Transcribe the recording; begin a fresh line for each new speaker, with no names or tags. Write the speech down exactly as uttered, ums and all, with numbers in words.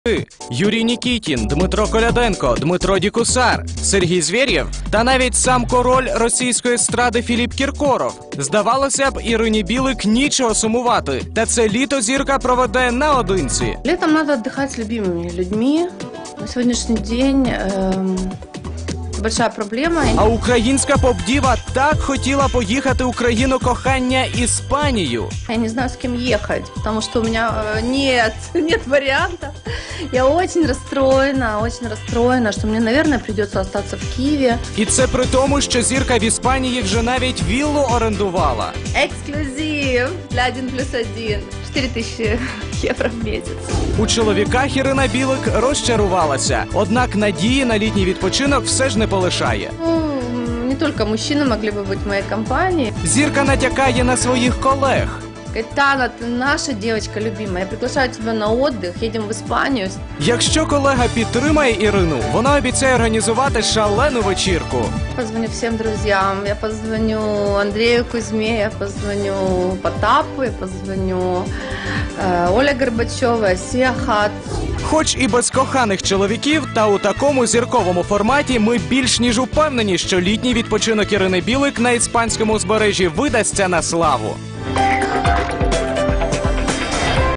Юрій Нікітін, Дмитро Коляденко, Дмитро Дікусар, Сергій Звєрєв та навіть сам король російської естради Філіп Кіркоров. Здавалося б, Ірині Білик нічого сумувати. Та це літо зірка проведе наодинці.
Летом надо отдыхать с любимыми людьми. На сегодняшний день эм, это большая проблема.
А українська поп-діва так хотіла поїхати у країну кохання Іспанію.
Я не знаю, с кем ехать, потому что у меня э, нет, нет варианта. Я очень расстроена, очень расстроена, что мне, наверное, придется остаться в Киеве.
І це при тому, що зірка в Іспанії вже навіть віллу орендувала.
Эксклюзив для один плюс один. четыре тысячи евро в месяц.
У чоловіках Ірина Білик розчарувалася. Однак надії на літній відпочинок все ж не полишає.
Ну, не только мужчины могли бы быть в моей компании.
Зірка натякає на своїх колег.
Говорит: Тана, ты наша девочка любимая, я приглашаю тебя на отдых, едем в Испанию.
Якщо колега підтримає Ірину, вона обіцяє організувати шалену вечірку.
Позвоню всем друзьям, я позвоню Андрею Кузьме, я позвоню Потапу, я позвоню э, Оле Горбачевой, Асия Хат.
Хоч і без коханих чоловіків, та у такому зірковому форматі ми більш ніж упевнені, що літній відпочинок Ірини Білик на іспанському узбережжі видасться на славу.